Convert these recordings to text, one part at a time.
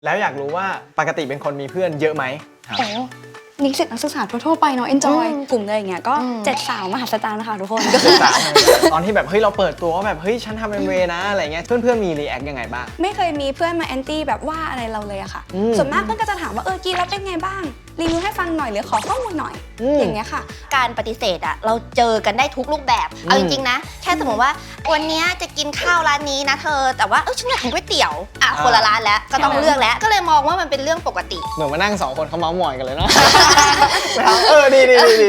แล้วอยากรู้ว่าปกติเป็นคนมีเพื่อนเยอะไหมครับโอ้นิสิตนักศึกษาทั่วๆไปเนาะ enjoy กลุ่มเลยอย่างเงี้ยก็7 สาวมหัศจรรย์นะคะทุกคนก็คือตอนที่แบบเฮ้ยเราเปิดตัวว่าแบบเฮ้ยฉันทำ MV นะอะไรเงี้ยเพื่อนๆมีรีแอคยังไงบ้างไม่เคยมีเพื่อนมาแอนตี้แบบว่าอะไรเราเลยอะค่ะส่วนมากเพื่อนก็จะถามว่ากินแล้วเป็นไงบ้างรีวิวให้ฟังหน่อยหรือขอข้อมูลหน่อยอย่างเงี้ยค่ะการปฏิเสธอะเราเจอกันได้ทุกรูปแบบเอาจริงๆนะแค่สมมติว่าวันนี้จะกินข้าวร้านนี้นะเธอแต่ว่าฉันอยากกินก๋วยเตี๋ยวคนละร้านแล้วก็ต้องเลือกแล้วก็เลยมองว่ามันเป็นเรื่องปกติเหมือนมานั่ง2 คนเขาเมาส์มอยกันเลยเนาะ ดี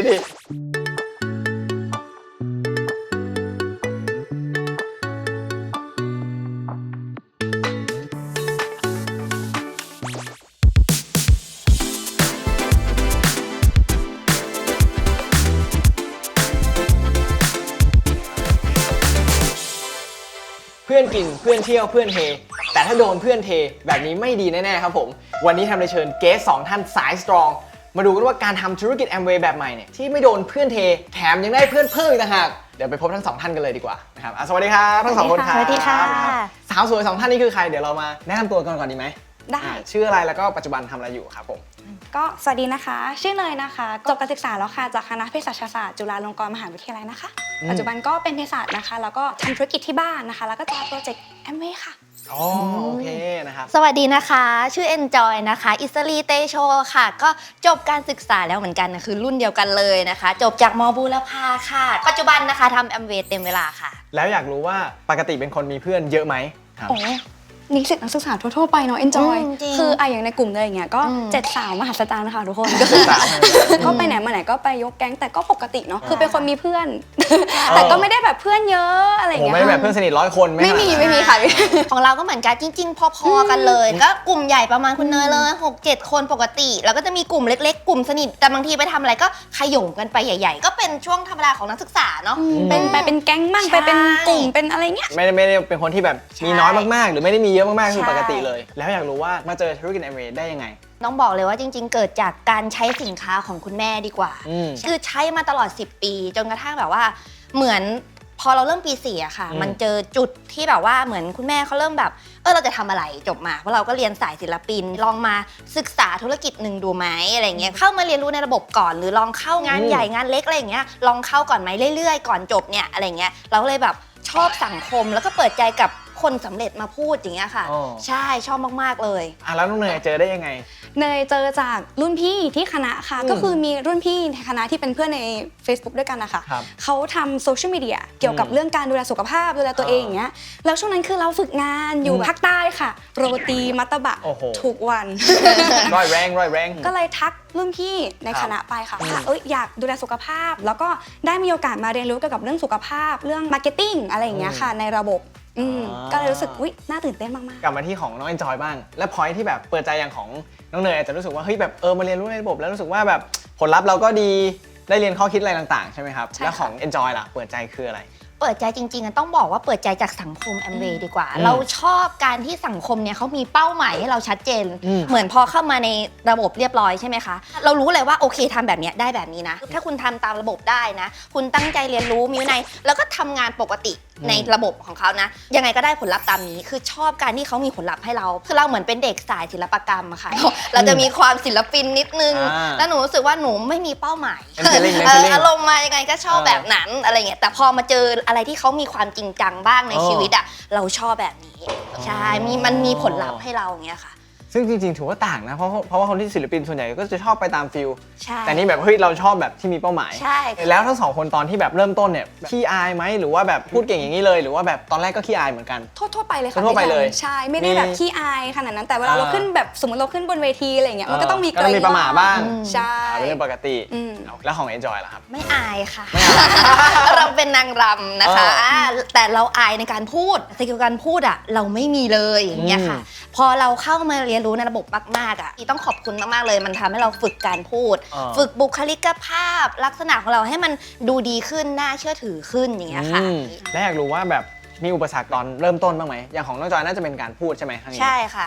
เพื่อนกินเพื่อนเที่ยวเพื่อนเฮแต่ถ้าโดนเพื่อนเทแบบนี้ไม่ดีแน่ๆครับผมวันนี้ทำเลยเชิญเกส2 ท่านสายสตรองมาดูกันว่าการทำธุรกิจแอมเวย์แบบใหม่เนี่ยที่ไม่โดนเพื่อนเทแถมยังได้เพื่อนเพิ่มอีกต่างหากเดี๋ยวไปพบทั้ง2 ท่านกันเลยดีกว่านะครับสวัสดีครับทั้ง2 คนครับสวัสดีค่ะสาวสวย2 ท่านนี้คือใครเดี๋ยวเรามาแนะนำตัวกันก่อนดีไหมได้ชื่ออะไรแล้วก็ปัจจุบันทำอะไรอยู่ครับผมก็สวัสดีนะคะชื่อเนยนะคะจบการศึกษาแล้วค่ะจากคณะเภสัชศาสตร์จุฬาลงกรณ์มหาวิทยาลัยนะคะปัจจุบันก็เป็นเภสัชนะคะแล้วก็ทำธุรกิจที่บ้านนะคะแล้วก็จะโปรเจกต์แอมเวย์ค่ะอ๋อโอเคนะครับสวัสดีนะคะชื่อ Enjoy นะคะอิสรีเตโชค่ะก็จบการศึกษาแล้วเหมือนกันนะคือรุ่นเดียวกันเลยนะคะจบจากมบูรพาค่ะปัจจุบันนะคะทำแอมเวย์เต็มเวลาค่ะแล้วอยากรู้ว่าปกติเป็นคนมีเพื่อนเยอะไหมครับโอ้นิสิตนักศึกษาทั่วๆไปเนาะ enjoy คืออย่างในกลุ่มเลยอย่างเงี้ยก็7 สาวมหัศจรรย์นะคะทุกคนก็คือก็ไปไหนมาไหนก็ไปยกแก๊งแต่ก็ปกติเนาะคือเป็นคนมีเพื่อนแต่ก็ไม่ได้แบบเพื่อนเยอะอะไรอย่างเงี้ยไม่ได้แบบเพื่อนสนิท100 คนไม่มีค่ะของเราก็เหมือนกันจริงๆพอๆกันเลยก็กลุ่มใหญ่ประมาณคุณเนยเลย6-7 คนปกติแล้วก็จะมีกลุ่มเล็กๆกลุ่มสนิทแต่บางทีไปทำอะไรก็ขย่มกันไปใหญ่ๆก็เป็นช่วงธรรมดาของนักศึกษาเนาะเป็นแก๊งมั่งไปเป็นกลุ่มเป็นอะไรเงี้ยไม่ได้เป็นคนที่แบบมีน้อยมากๆหรือไม่ได้มีเยอะมากๆคือปกติเลยแล้วอยากรู้ว่ามาเจอธุรกิจแอมเวย์ได้ยังไงต้องบอกเลยว่าจริงๆเกิดจากการใช้สินค้าของคุณแม่ดีกว่าคือใช้มาตลอด10 ปีจนกระทั่งแบบว่าเหมือนพอเราเริ่มปี4อะค่ะมันเจอจุดที่แบบว่าเหมือนคุณแม่เขาเริ่มแบบเราจะทำอะไรจบมาเพราะเราก็เรียนสายศิลปินลองมาศึกษาธุรกิจหนึ่งดูไหมอะไรเงี้ยเข้ามาเรียนรู้ในระบบก่อนหรือลองเข้างานใหญ่งานเล็กอะไรเงี้ยลองเข้าก่อนไหมเรื่อยๆก่อนจบเนี่ยอะไรเงี้ยเราก็เลยแบบชอบสังคมแล้วก็เปิดใจกับคนสำเร็จมาพูดอย่างเงี้ยค่ะใช่ชอบมากๆเลยแล้วน้องเนยเจอได้ยังไงเนยเจอจากรุ่นพี่ที่คณะค่ะก็คือมีรุ่นพี่ในคณะที่เป็นเพื่อนใน Facebook ด้วยกันนะคะเขาทำโซเชียลมีเดียเกี่ยวกับเรื่องการดูแลสุขภาพดูแลตัวเองอย่างเงี้ยแล้วช่วงนั้นคือเราฝึกงานอยู่ภาคใต้ค่ะโรตีมัตตบะทุกวันร้อยแรงก็เลยทักรุ่นพี่ในคณะไปค่ะว่าอยากดูแลสุขภาพแล้วก็ได้มีโอกาสมาเรียนรู้เกี่ยวกับเรื่องสุขภาพเรื่องมาร์เก็ตติ้งอะไรอย่างเงี้ยค่ะในระบบก็เลยรู้สึกน่าตื่นเต้นมากๆกลับมาที่ของน้อง Enjoy บ้างและพอยที่แบบเปิดใจอย่างของน้องเนยอาจจะรู้สึกว่าเฮ้ยแบบมาเรียนรู้ในระบบแล้วรู้สึกว่าแบบผลลัพธ์เราก็ดีได้เรียนข้อคิดอะไรต่างๆใช่ไหมครับแล้วของ Enjoy ล่ะเปิดใจคืออะไรเปิดใจจริงๆต้องบอกว่าเปิดใจจากสังคมแอมเวย์ดีกว่าเราชอบการที่สังคมเนี่ยเขามีเป้าหมายให้เราชัดเจนเหมือนพอเข้ามาในระบบเรียบร้อยใช่ไหมคะเรารู้เลยว่าโอเคทำแบบนี้ได้แบบนี้นะถ้าคุณทำตามระบบได้นะคุณตั้งใจเรียนรู้มีวินัยแล้วก็ทำงานปกติในระบบของเขานะยังไงก็ได้ผลลัพธ์ตามนี้คือชอบการที่เขามีผลลัพธ์ให้เราคือเราเหมือนเป็นเด็กสายศิลปกรรมอะค่ะเราจะมีความศิลปินนิดนึงแล้วหนูรู้สึกว่าหนูไม่มีเป้าหมายอารมณ์มายังไงก็ชอบแบบนั้นอะไรเงี้ยแต่พอมาเจออะไรที่เขามีความจริงจังบ้างในชีวิตอะเราชอบแบบนี้ใช่มันมีผลลัพธ์ให้เราอย่างเงี้ยค่ะซึ่งจริงๆถือว่าต่างนะเพราะว่าคนที่ศิลปินส่วนใหญ่ก็จะชอบไปตามฟิลใช่แต่นี่แบบเฮ้ยเราชอบแบบที่มีเป้าหมายใช่แล้วทั้ง2 คนตอนที่แบบเริ่มต้นเนี่ยขี้อายไหมหรือว่าแบบพูดเก่งอย่างนี้เลยหรือว่าแบบตอนแรกก็ขี้อายเหมือนกันทั่วไปเลยค่ะทั่วไปเลยใช่ไม่ได้แบบขี้อายขนาดนั้นแต่เวลาเราขึ้นแบบสมมติเราขึ้นบนเวทีอะไรเงี้ยมันก็ต้องมีประหม่าบ้างใช่เป็นเรื่องปกติแล้วของ Enjoy ล่ะครับไม่อายค่ะเราเป็นนางรำนะคะแต่เราอายในการพูดสกิลการพูดอะเราไม่มีเลยอย่างเงี้ยค่ะพอเราเข้ามาเรียนรู้ในระบบมากๆอ่ะต้องขอบคุณมากๆเลยมันทำให้เราฝึกการพูดฝึกบุคลิกภาพลักษณะของเราให้มันดูดีขึ้นน่าเชื่อถือขึ้นอย่างเงี้ยค่ะและอยากรู้ว่าแบบมีอุปสรรคตอนเริ่มต้นบ้างไหมอย่างของน้องจอยน่าจะเป็นการพูดใช่ไหมครั้งนี้ใช่ค่ะเ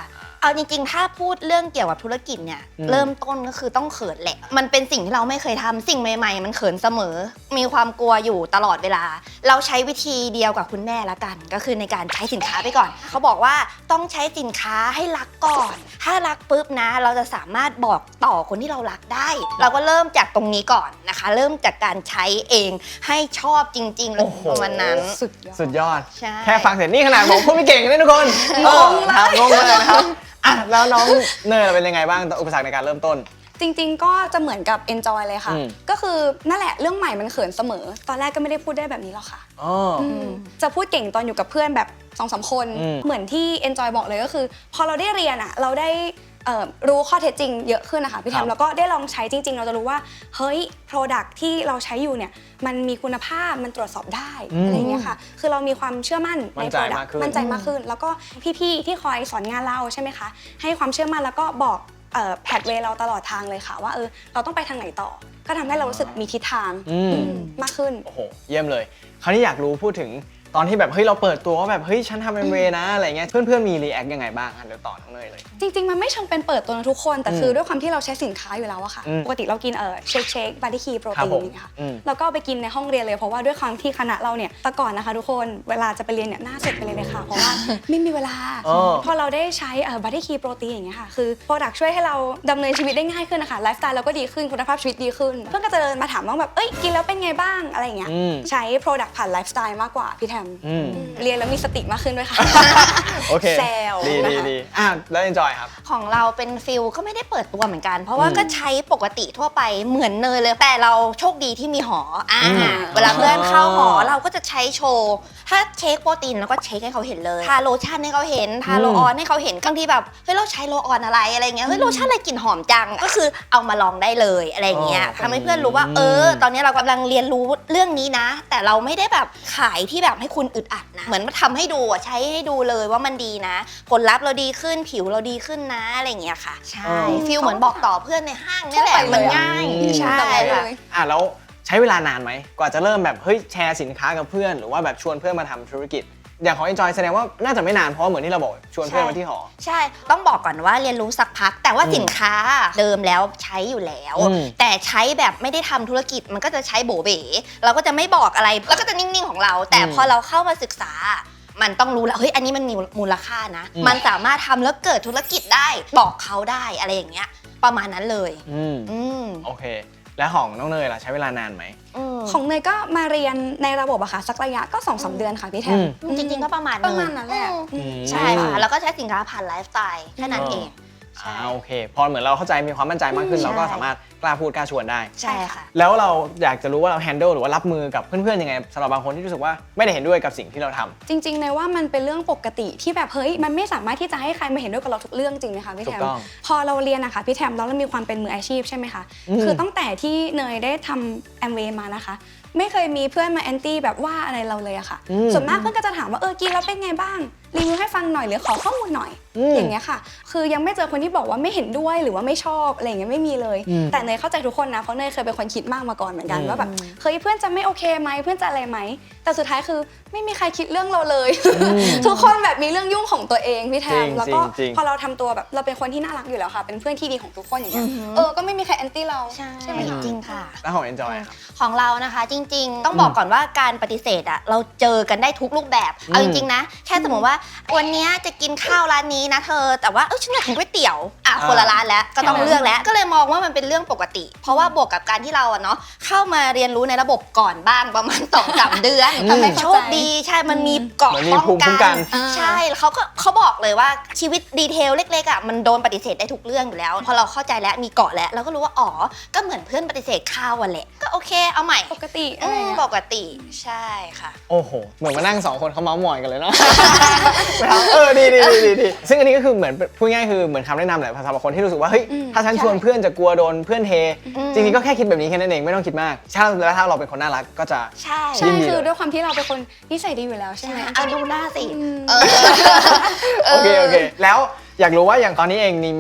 เอาจริงๆถ้าพูดเรื่องเกี่ยวกับธุรกิจเนี่ยเริ่มต้นก็คือต้องเขินแหละมันเป็นสิ่งที่เราไม่เคยทำสิ่งใหม่ๆมันเขินเสมอมีความกลัวอยู่ตลอดเวลาเราใช้วิธีเดียวกับคุณแม่ละกันก็คือในการใช้สินค้าไปก่อนเขาบอกว่าต้องใช้สินค้าให้รักก่อนถ้ารักปุ๊บนะเราจะสามารถบอกต่อคนที่เรารักได้เราก็เริ่มจากตรงนี้ก่อนนะคะเริ่มจากการใช้เองให้ชอบจริงๆเลยประมาณนั้นสุดยอดใช่แค่ฟังเสร็จนี่ขนาดผมพูดไม่เก่งเลยทุกคนครับงงเลยนะครับอ่ะแล้วน้องเนยเป็นยังไงบ้างอุปสรรคในการเริ่มต้นจริงๆก็จะเหมือนกับ enjoy เลยค่ะก็คือนั่นแหละเรื่องใหม่มันเขินเสมอตอนแรกก็ไม่ได้พูดได้แบบนี้หรอกค่ะจะพูดเก่งตอนอยู่กับเพื่อนแบบ2-3 คนเหมือนที่ enjoy บอกเลยก็คือพอเราได้เรียนอ่ะเราได้รู้ข้อเท็จจริงเยอะขึ้นนะคะพี่แทมแล้วก็ได้ลองใช้จริงๆเราจะรู้ว่าเฮ้ย product ที่เราใช้อยู่เนี่ยมันมีคุณภาพมันตรวจสอบได้อะไรเงี้ยค่ะคือเรามีความเชื่อมั่นใน product มั่นใจมากขึ้นแล้วก็พี่ๆที่คอยสอนงานเราใช่ไหมคะให้ความเชื่อมั่นแล้วก็บอกแพทเวย์เราตลอดทางเลยค่ะว่าเราต้องไปทางไหนต่อก็ทำให้เรารู้สึกมีทิศทางมากขึ้นโอ้โหเยี่ยมเลยคราวนี้อยากรู้พูดถึงตอนที่แบบเฮ้ยเราเปิดตัวว่าแบบเฮ้ยฉันทำ MV นะอะไรเงี้ยเพื่อนๆมีรีแอคยังไงบ้างเดี๋ยวต่อน้องเนยเลยจริงๆมันไม่เชิงเป็นเปิดตัวนะทุกคนแต่คือด้วยความที่เราใช้สินค้าอยู่แล้วอะค่ะปกติเรากินเชคบาร์ดี้คีโปรตีนนี่ค่ะแล้วก็ไปกินในห้องเรียนเลยเพราะว่าด้วยความที่คณะเราเนี่ยแต่ก่อนนะคะทุกคนเวลาจะไปเรียนเนี่ยหน้าสดไปเลยค่ะเพราะว่าไม่มีเวลาพอเราได้ใช้บาร์ดี้คีโปรตีนอย่างเงี้ยค่ะคือโปรดักช่วยให้เราดำเนินชีวิตได้ง่ายขึ้นนะคะไลฟ์สไตล์เราก็ดีขึ้นคุณภาพชีวิตดีขึ้นเพื่อนก็จะเดินมาถามว่าแบบกินแล้วเป็นไงบ้างอะไรอย่างเงี้ยใช้โปรดักผ่านไลฟ์สไตล์มากกว่าพี่แทมเรียนแล้วมีสติมากขึ้นด้วยค่ะโอเคแซวดีแล้ว enjoy ครับของเราเป็นฟิลก็ไม่ได้เปิดตัวเหมือนกันเพราะว่าก็ใช้ปกติทั่วไปเหมือนเนยเลยแต่เราโชคดีที่มีหอเวลาเพื่อนเข้าหอเราก็จะใช้โชว์ถ้าเช็คโปรตีนเราก็เช็คให้เขาเห็นเลยทาโลชั่นให้เขาเห็นทาโลออนให้เขาเห็นบางทีแบบเฮ้ยเราใช้โลออนอะไรเงี้ยเฮ้ยโลชั่นอะไรกลิ่นหอมจังก็คือเอามาลองได้เลยอะไรเงี้ยทำให้เพื่อนรู้ว่าตอนนี้เรากำลังเรียนรู้เรื่องนี้นะแต่เราไม่ได้แบบขายที่แบบให้คุณอึดอัดนะเหมือนมาทำให้ดูใช้ให้ดูเลยว่ามันดีนะผลลัพธ์เราดีขึ้นผิวเราดีขึ้นนะอะไรเงี้ยค่ะใช่ฟีลเหมือนบอกต่อเพื่อนในห้างนี่แหละมันง่ายใช่ค่ะแล้วใช้เวลานานไหมกว่าจะเริ่มแบบเฮ้ยแชร์สินค้ากับเพื่อนหรือว่าแบบชวนเพื่อนมาทำธุรกิจอย่างของ Enjoy แสดงว่าน่าจะไม่นานเพราะเหมือนที่เราบอกชวนเพื่อนมาที่หอใช่ต้องบอกก่อนว่าเรียนรู้สักพักแต่ว่าสินค้าเดิมแล้วใช้อยู่แล้วแต่ใช้แบบไม่ได้ทำธุรกิจมันก็จะใช้โบเบ๋เราก็จะไม่บอกอะไรแล้วก็จะนิ่งๆของเราแต่พอเราเข้ามาศึกษามันต้องรู้แล้วเฮ้ยอันนี้มันมีมูลค่านะมันสามารถทำแล้วเกิดธุรกิจได้บอกเขาได้อะไรอย่างเงี้ยประมาณนั้นเลยโอเคแล้วของน้องเนยล่ะใช้เวลานานไหมของเนยก็มาเรียนในระบบอะค่ะสักระยะก็ 2-3 เดือนค่ะพี่แทมจริงๆก็ประมาณนั้นแหละใช่ค่ะแล้วก็ใช้สินค้าผ่านไลฟ์สไตล์แค่นั้นเองโอเคพอเหมือนเราเข้าใจมีความมั่นใจมากขึ้นเราก็สามารถกล้าพูดกล้าชวนได้ใช่ค่ะแล้วเราอยากจะรู้ว่าเรา handle หรือว่ารับมือกับเพื่อนๆยังไงสำหรับบางคนที่รู้สึกว่าไม่ได้เห็นด้วยกับสิ่งที่เราทำจริงๆในว่ามันเป็นเรื่องปกติที่แบบเฮ้ยมันไม่สามารถที่จะให้ใครมาเห็นด้วยกับเราทุกเรื่องจริงไหมคะพี่แทมพอเราเรียนนะคะพี่แทมแล้วเรามีความเป็นมืออาชีพใช่ไหมคะคือตั้งแต่ที่เนยได้ทำแอมเวย์มานะคะไม่เคยมีเพื่อนมาแอนตี้แบบว่าอะไรเราเลยอะค่ะส่วนมากเพื่อนก็จะถามว่ากินแล้วเป็นไงบ้างรีวิวให้ฟังหน่อยหรือขอข้อมูลหน่อยอย่างเงี้ยค่ะคือยังไม่เจอคนที่บอกว่าไม่เห็นด้วยหรือว่าไม่ชอบอะไรอย่างเงี้ยไม่มีเลยแต่เนยเข้าใจทุกคนนะเพราะเนยเคยเป็นคนคิดมากมาก่อนเหมือนกันว่าแบบเฮ้ยเพื่อนจะไม่โอเคไหมเพื่อนจะอะไรไหมแต่สุดท้ายคือไม่มีใครคิดเรื่องเราเลยทุกคนแบบมีเรื่องยุ่งของตัวเองพี่แทมแล้วก็พอเราทำตัวแบบเราเป็นคนที่น่ารักอยู่แล้วค่ะเป็นเพื่อนที่ดีของทุกคนอย่างเงี้ยก็ไม่มีใครแอนตี้เราใช่ไหมจริงค่ะแล้วของ Enjoy ครับของเรานะคะจริงๆต้องบอกก่อนว่าการปฏิเสธอะเราเจอกันได้ทุกรูปแบบเอาจริงๆนะแค่สมมติว่าวันนี้จะกินข้าวร้านนี้นะเธอแต่ว่าฉันอยากกินก๋วยเตี๋ยวคนละร้านแล้วก็ต้องเลือกแล้วก็เลยมองว่ามันเป็นเรื่องปกติเพราะว่าบวกกับการที่เราเนาะเข้ามาเรียนรู้ในระบบก่อนบ้างประมาณ 2-3 เดือนโชคดีใช่มันมีเกราะป้องกันใช่เขาบอกเลยว่าชีวิตดีเทลเล็กๆมันโดนปฏิเสธได้ทุกเรื่องอยู่แล้วพอเราเข้าใจแล้วมีเกราะแล้วเราก็รู้ว่าก็เหมือนเพื่อนปฏิเสธข้าววันแหละก็โอเคเอาใหม่ปกติปกติใช่ค่ะโอ้โหเหมือนมานั่ง2คนเขาเมาส์มอยกันเลยเนาะดีซึ่งอันนี้ก็คือเหมือนพูดง่ายคือเหมือนคำแนะนำแหละสำหรับคนที่รู้สึกว่าเฮ้ยถ้าฉันชวนเพื่อนจะกลัวโดนเพื่อนเทจริงๆก็แค่คิดแบบนี้แค่นั้นเองไม่ต้องคิดมากถ้าเราเป็นคนน่ารักก็จะใช่คือด้วยความที่เราเป็นคนนิสัยดีอยู่แล้วใช่ไหมดูหน้าสิโอเคแล้วอยากรู้ว่าอย่างตอนนี้เองมี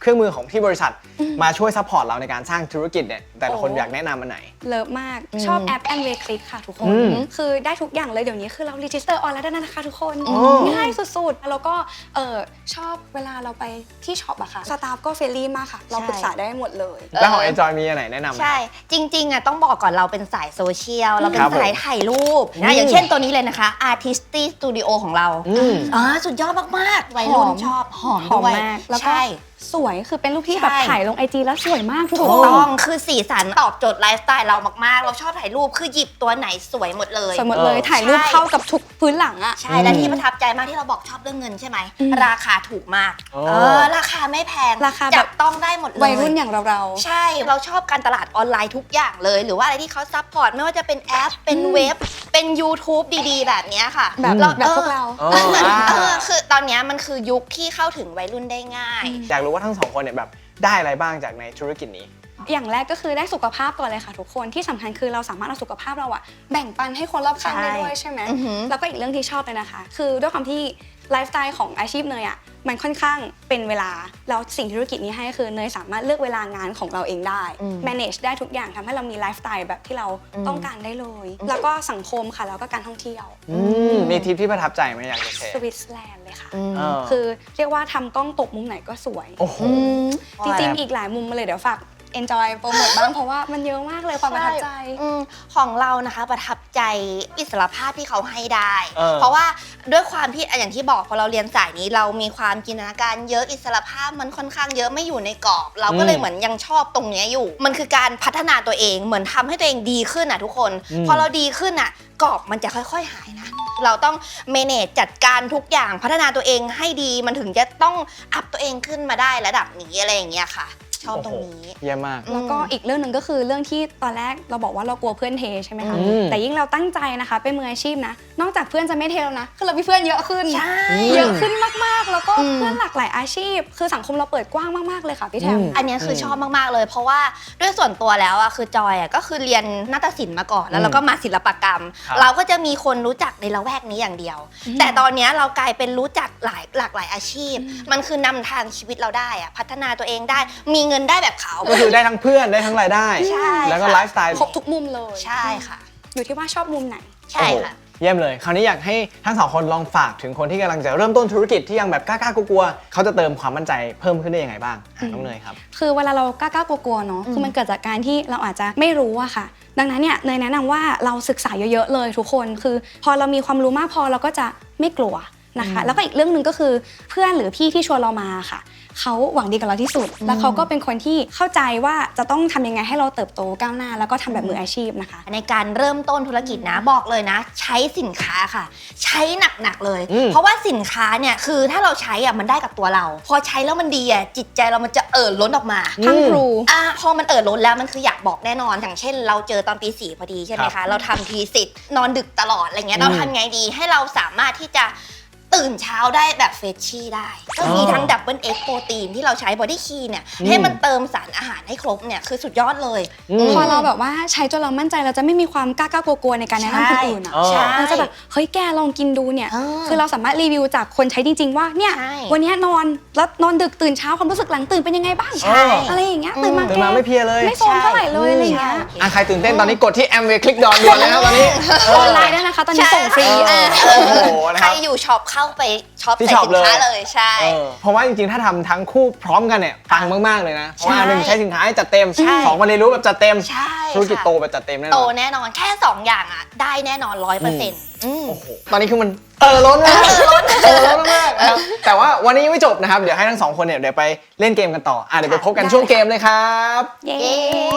เครื่องมือของที่บริษัทมาช่วยซัพพอร์ตเราในการสร้างธุรกิจเนี่ยแต่ละคนอยากแนะนำอันไหนเลิฟมากชอบแอป Amway Click ค่ะทุกคนคือได้ทุกอย่างเลยเดี๋ยวนี้คือเรา register on แล้วได้นะคะทุกคนง่ายสุดๆแล้วก็ชอบเวลาเราไปที่ช็อปอะค่ะสตาฟก็เฟรนลี่มากค่ะเราปรึกษาได้หมดเลยแล้วของ Enjoy มีอันไหนแนะนำใช่จริงๆอะต้องบอกก่อนเราเป็นสายโซเชียลเราเป็นสายถ่ายรูปนะอย่างเช่นตัวนี้เลยนะคะ Artisty Studio ของเราสุดยอดมากๆวัยรุ่นชอบหอมด้วยแล้วก็สวยคือเป็นรูปที่แบบถ่ายลง IG แล้วสวยมากทุกคนถูกต้องคือสีสันตอบโจทย์ไลฟ์สไตล์เรามากๆเราชอบถ่ายรูปคือหยิบตัวไหนสวยหมดเลยสวยหมดเลยถ่ายรูปเข้ากับทุกพื้นหลังอะใช่และที่ประทับใจมากที่เราบอกชอบเรื่องเงินใช่ไหมราคาถูกมากราคาไม่แพงราคาแบบต้องได้หมดเลยวัยรุ่นอย่างเราใช่เราชอบการตลาดออนไลน์ทุกอย่างเลยหรือว่าอะไรที่เขาซัพพอร์ตไม่ว่าจะเป็นแอปเป็นเว็บเป็น YouTube ดีๆแบบนี้ค่ะแบบพวกเราคือตอนนี้มันคือยุคที่เข้าถึงวัยรุ่นได้ง่ายอยากรู้ว่าทั้งสองคนเนี่ยแบบได้อะไรบ้างจากในธุรกิจนี้อย่างแรกก็คือได้สุขภาพก่อนเลยค่ะทุกคนที่สำคัญคือเราสามารถเอาสุขภาพเราอะแบ่งปันให้คนรอบข้างได้ด้วยใช่ไหมแล้วก็อีกเรื่องที่ชอบเลยนะคะคือด้วยความที่ไลฟ์สไตล์ของอาชีพเนยอะมันค่อนข้างเป็นเวลาแล้วสิ่งธุรกิจนี้ให้คือเนยสามารถเลือกเวลางานของเราเองได้ manage ได้ทุกอย่างทำให้เรามีไลฟ์สไตล์แบบที่เราต้องการได้เลยแล้วก็สังคมค่ะแล้วก็การท่องเที่ยวมีทริปที่ประทับใจไหมอยากจะแชร์สวิตเซอร์แลนด์เลยค่ะคือเรียกว่าทำกล้องตกมุมไหนก็สวยจริงๆอีกหลายมุมมาเลยเดี๋ยวฝากenjoy โปรโมทบ้างเพราะว่ามันเยอะมากเลยความประทับใจของเรานะคะประทับใจอิสรภาพที่เขาให้ได้เพราะว่าด้วยความที่อย่างที่บอกพอเราเรียนสายนี้เรามีความจินตนาการเยอะอิสรภาพมันค่อนข้างเยอะไม่อยู่ในกรอบเราก็เลยเหมือนยังชอบตรงนี้อยู่มันคือการพัฒนาตัวเองเหมือนทำให้ตัวเองดีขึ้นทุกคนพอเราดีขึ้นกรอบมันจะค่อยๆหายนะเราต้องเมเนจจัดการทุกอย่างพัฒนาตัวเองให้ดีมันถึงจะต้องอัพตัวเองขึ้นมาได้ระดับนี้อะไรอย่างเงี้ยค่ะชอบตรงนี้เยี่ยมมากแล้วก็อีกเรื่องหนึ่งก็คือเรื่องที่ตอนแรกเราบอกว่าเรากลัวเพื่อนเทใช่ไหมคะแต่ยิ่งเราตั้งใจนะคะเป็นมืออาชีพนะนอกจากเพื่อนจะไม่เทแล้วนะคือเรามีเพื่อนเยอะขึ้นเยอะขึ้นมากๆแล้วก็เพื่อนหลากหลายอาชีพคือสังคมเราเปิดกว้างมากๆเลยค่ะพี่แทมอันนี้คือชอบมากๆเลยเพราะว่าด้วยส่วนตัวแล้วคือจอยก็คือเรียนนาฏศิลป์มาก่อนแล้วเราก็มาศิลปกรรมเราก็จะมีคนรู้จักในละแวกนี้อย่างเดียวแต่ตอนนี้เรากลายเป็นรู้จักหลากหลายอาชีพมันคือนำทางชีวิตเราได้พัฒนาตัวเองได้มีเงินได้แบบเขาก็คือได้ทั้งเพื่อนได้ทั้งรายได้แล้วก็ไลฟ์สไตล์ครบทุกมุมเลยใช่ค่ะอยู่ที่ว่าชอบมุมไหนใช่ค่ะเยี่ยมเลยคราวนี้อยากให้ทั้งสองคนลองฝากถึงคนที่กำลังจะเริ่มต้นธุรกิจที่ยังแบบกล้าๆกลัวๆเขาจะเติมความมั่นใจเพิ่มขึ้นได้ยังไงบ้างน้องเนยครับคือเวลาเรากล้าๆกลัวๆเนาะคือมันเกิดจากการที่เราอาจจะไม่รู้อะค่ะดังนั้นเนี่ยเนยแนะนำว่าเราศึกษาเยอะๆเลยทุกคนคือพอเรามีความรู้มากพอเราก็จะไม่กลัวนะคะแล้วก็อีกเรื่องหนึ่งก็คือเพื่อนหรือพี่ที่ชวนเรามาค่ะเขาหวังดีกับเราที่สุดแล้วเขาก็เป็นคนที่เข้าใจว่าจะต้องทำยังไงให้เราเติบโตก้าวหน้าแล้วก็ทำแบบมืออาชีพนะคะในการเริ่มต้นธุรกิจนะบอกเลยนะใช้สินค้าค่ะใช้หนักๆเลยเพราะว่าสินค้าเนี่ยคือถ้าเราใช้มันได้กับตัวเราพอใช้แล้วมันดีจิตใจเรามันจะล้นออกมาทั้งครูพอมันล้นแล้วมันคืออยากบอกแน่นอนอย่างเช่นเราเจอตอนปี4พอดีใช่ไหมคะเราทำทีสิทธิ์นอนดึกตลอดอะไรเงี้ยเราทำไงดีให้เราสามารถที่จะตื่นเช้าได้แบบเฟรชชี่ได้ก็มีทั้งดับเบิลเอ็กโปรตีนที่เราใช้บอดี้คีเนี่ยให้มันเติมสารอาหารให้ครบเนี่ยคือสุดยอดเลยพอเราแบบว่าใช้จนเรามั่นใจเราจะไม่มีความกล้ากลัวๆในการแนะนำคนอื่นเราจะแบบเฮ้ยแกลองกินดูเนี่ยคือเราสามารถรีวิวจากคนใช้จริงๆว่าเนี่ยวันนี้นอนแล้วนอนดึกตื่นเช้าความรู้สึกหลังตื่นเป็นยังไงบ้างอะไรอย่างเงี้ยตื่นมาไม่เพลียเลยไม่โซมเท่าไหร่เลยอะไรอย่างเงี้ยใครตื่นเต้นตอนนี้กดที่ Amway Click ด่วนเลยนะตอนนี้ออนไลน์ได้นะคะตอนนี้ส่งฟรีใครอยู่ช็อปเข้าไปช็อปใส่สินค้าเลยใช่เพราะว่าจริงๆถ้าทำทั้งคู่พร้อมกันเนี่ยปังมากๆเลยนะเพราะว่า1ใช้สินค้าให้จัดเต็ม2มาเรียนรู้แบบจัดเต็มธุรกิจโตแบบจัดเต็มแน่นอนโตแน่นอนแค่2อย่างได้แน่นอน 100% โอ้โหตอนนี้คือมันล้นมากล้นมากนะครับแต่ว่าวันนี้ยังไม่จบนะครับเดี๋ยวให้ทั้ง2คนเนี่ยเดี๋ยวไปเล่นเกมกันต่อเดี๋ยวไปพบกันช่วงเกมเลยครับเย้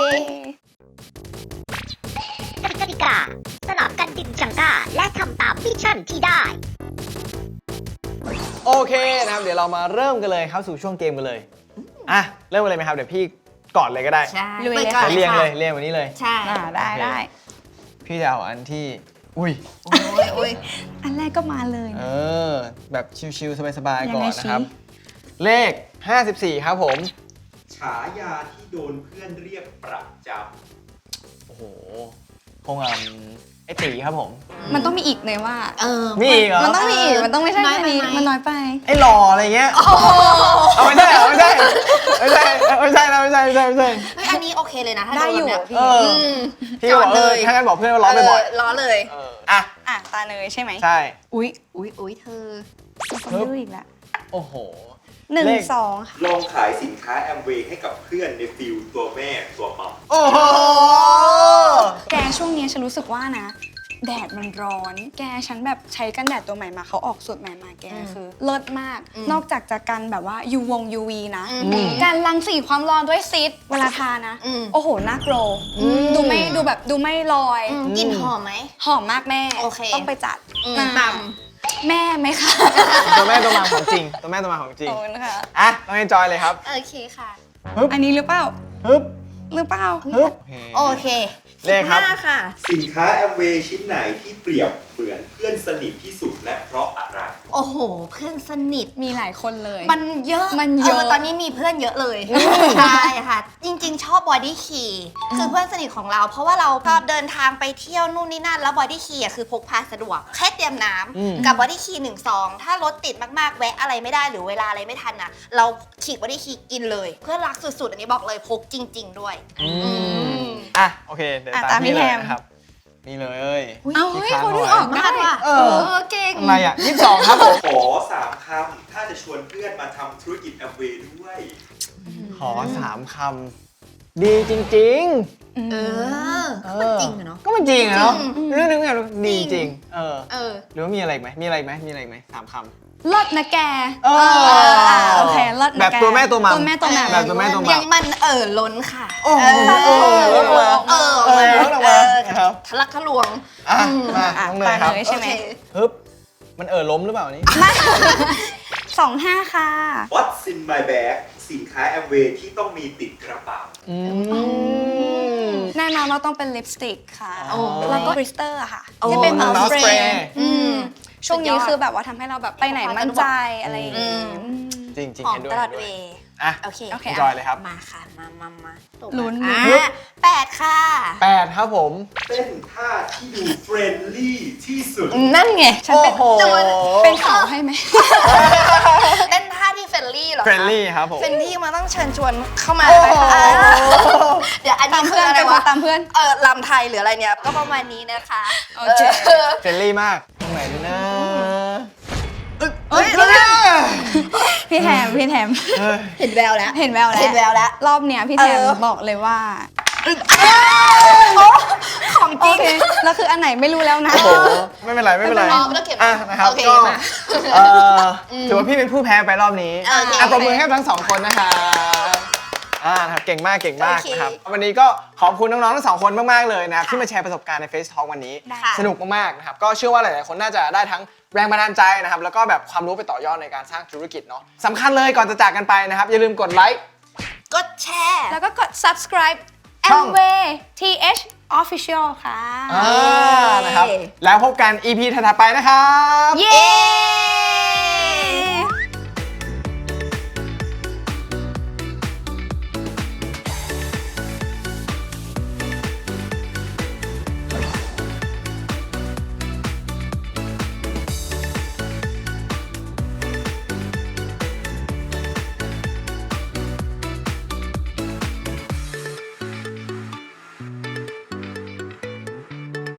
กติกาสลับกันดึงจังก้าและทำตามมิชชั่นที่ได้โอเคนะครับเดี๋ยวเรามาเริ่มกันเลยเข้าสู่ช่วงเกมกันเลยเริ่มกันเลยไหมครับเดี๋ยวพี่ก่อนเลยก็ได้ใช่เรียงวันนี้เลยใช่ได้พี่จะเอาอันที่อุ้ยอันแรกก็มาเลยแบบชิลๆสบายๆก่อนนะครับเลข54ครับผมฉายาที่โดนเพื่อนเรียกประจำโอ้โหคงไอ้ตีครับผมมันต้องมีอีกเลยว่ามีอีกเหรอมันต้องมีอีกมันต้องไม่ใช่แค่นี้มันน้อยไปไอ้หล่ออะไรเงี้ยเอาไม่ได้ใช่เฮ้ยอันนี้โอเคเลยนะถ้าได้อยู่โนแบบพี่เนี้ยพี่ก็บอกถ้างั้นบอกเพื่อนว่าล้อบ่อยล้อเลยอ่ะอ่ะตาเนยใช่ไหมใช่อุ๊ยอุ๊ยเธอมีคนดื้ออีกแล้วโอ้โหหนึ่งเลขสองค่ะลองขายสินค้าแอมเวย์ให้กับเพื่อนในฟิลตัวแม่ตัวมัมโอ้โหแกช่วงนี้ฉันรู้สึกว่านะ แดดมันร้อน แกฉันแบบใช้กันแดดตัวใหม่มาเขาออกสูตรใหม่มาแกคือเลิศมาก นอกจากจะกันแบบว่า UV นะ การรังสีความร้อนด้วยซิดเวลาทานะ โอ้โหน่าโกรธดูไม่ลอยกลิ่นหอมไหมหอมมากแม่โอเคต้องไปจัดตแม่ไหมคะตัวแม่ตัวมาของจริง ตัวแม่ตัวมาของจริงโอ้นะคะอ่ะต้องเอนจอยเลยครับโอเคค่ะอันนี้หรือเปล่าฮึบหรือเปล่าฮึบโอเคเลขครับ 15ค่ะสินค้าแอมเวย์ชิ้นไหนที่เปรียบเหมือนเพื่อนสนิทที่สุดและเพราะอะไรโอ้โห เพื่อนสนิทมีหลายคนเลยมันเยอะมันเยอะตอนนี้มีเพื่อนเยอะเลย ใช่ค่ะ จริงๆ ชอบบอดี้คีคือเพื่อนสนิทของเรา เพราะว่าเราชอบเดินทางไปเที่ยวนู่นนี่นั่น แล้วบอดี้คีคือพกพาสะดวก แค่เตรียมน้ำกับบอดี้คี1-2 ถ้ารถติดมากๆ แวะอะไรไม่ได้หรือเวลาอะไรไม่ทันนะเราฉีกบอดี้คีกินเลย เพื่อนรักสุดๆ อันนี้บอกเลยพกจริง ๆ ด้วยอ่ะโอเคเดี๋ยวอ่ะตาตาม มพี่พี่เลยแฮมนะครับ นี่เลยเอาเฮ้ยเขาดึงออกมาได้กว่ะเออเก่งอะไรอ่ะ22 ครับผมขอ3 คำ ถ้าจะชวนเพื่อนมาทำธุรกิจแอมเวย์ด้วยขอ3 คำ ดีจริงเออๆก็มันจริงอะเนาะก็มันจริงอะเนาะเรื่องนึงอะดีจริงเออหรือว่ามีอะไรอีกไหมมีอะไรอีกไหมมีอะไรอีกไหม3 คำเลิศนะแกเออโอเคเลิศนะแบบแกตัวแม่ตัวมัมตัวแม่ตัวแม่แบบตัวแม่ตัวมัมยังมันล้นค่ะโอ้โหลดมา ลดออกมาครับทะลักทะลวงอ่ะ มาอ่ะน้องเนยครับตาเนย ใช่ไหมโอเคฮึบมันล้มหรือเปล่านี่ 25 ค่ะ What's in my bag สินค้าแอมเวย์ที่ต้องมีติดกระเป๋าแน่นอนว่าต้องเป็นลิปสติกค่ะอ๋อแล้วก็บริสเตอร์ค่ะโอ้ที่เป็น Mouth มาส spray เปรย์ช่วงนี้สุดยอดคือแบบว่าทำให้เราแบบไปไหนมั่นใจอะไรอย่างงี้จริงหอมเห็นด้วยตลอดเห็นเวด้วยย์อ่ะโอเคโอเคจอยเลยครับมาค่ะ มาตบลุ้นอ่ะฮึบ 8 ค่ะ 8 ครับผมเต้นท่าที่ดูเฟรนลี่ที่สุดนั่นไงฉันเป็นโอ้โหเป็นสาวให้ไหมเต้นท่าที่เฟรนลี่เหรอคะเฟรนลี่ครับผมเฟรนลี่มาต้องเชิญชวนเข้ามาโอ้เลยโหค่ะเดี๋ยวอันตานี้มคืเพื่ออนอะไรเป็นวะตามเพื่อนลำไทยหรืออะไรเนี่ย ก็ประมาณนี้นะคะโอเคเฟรนลี่มาก ตรงไหนดีนะเอ้ยพี่แถมเฮ้ยเห็นแววแล้วเห็นแววแล้วเห็นแววแล้วรอบเนี้ยพี่แถมเออบอกเลยว่าของจโอริงเคแล้วคืออันไหนไม่รู้แล้วนะโอ้โห ไม่เป็นไร ไม่เป็นไรอ๋อไม่ต้องเก็บอ่ะนะครับโอเคก็มาถือว่าพี่เป็นผู้แพ้ไปรอบนี้โอเคปรบมือให้ทั้ง 2 คนนะคะนะครับเก่งมาก เก่งมากโอเคนะครับ วันนี้ก็ขอบคุณน้องๆทั้ง 2 คนมากๆเลยนะครับที่มาแชร์ประสบการณ์ใน Face Talk วันนี้ได้สนุกมากๆนะครับ ก็เชื่อว่าหลายๆคนน่าจะได้ทั้งแรงบันดาลใจนะครับ แล้วก็แบบความรู้ไปต่อยอดในการสร้างธุรกิจเนาะสำคัญเลยก่อนจะจากกันไปนะครับ อย่าลืมกดไลค์กดแชร์แล้วก็กด subscribe ช่อง Amway TH Official ค่ะนะครับ แล้วพบกัน EP ถัดๆไปนะครับเย้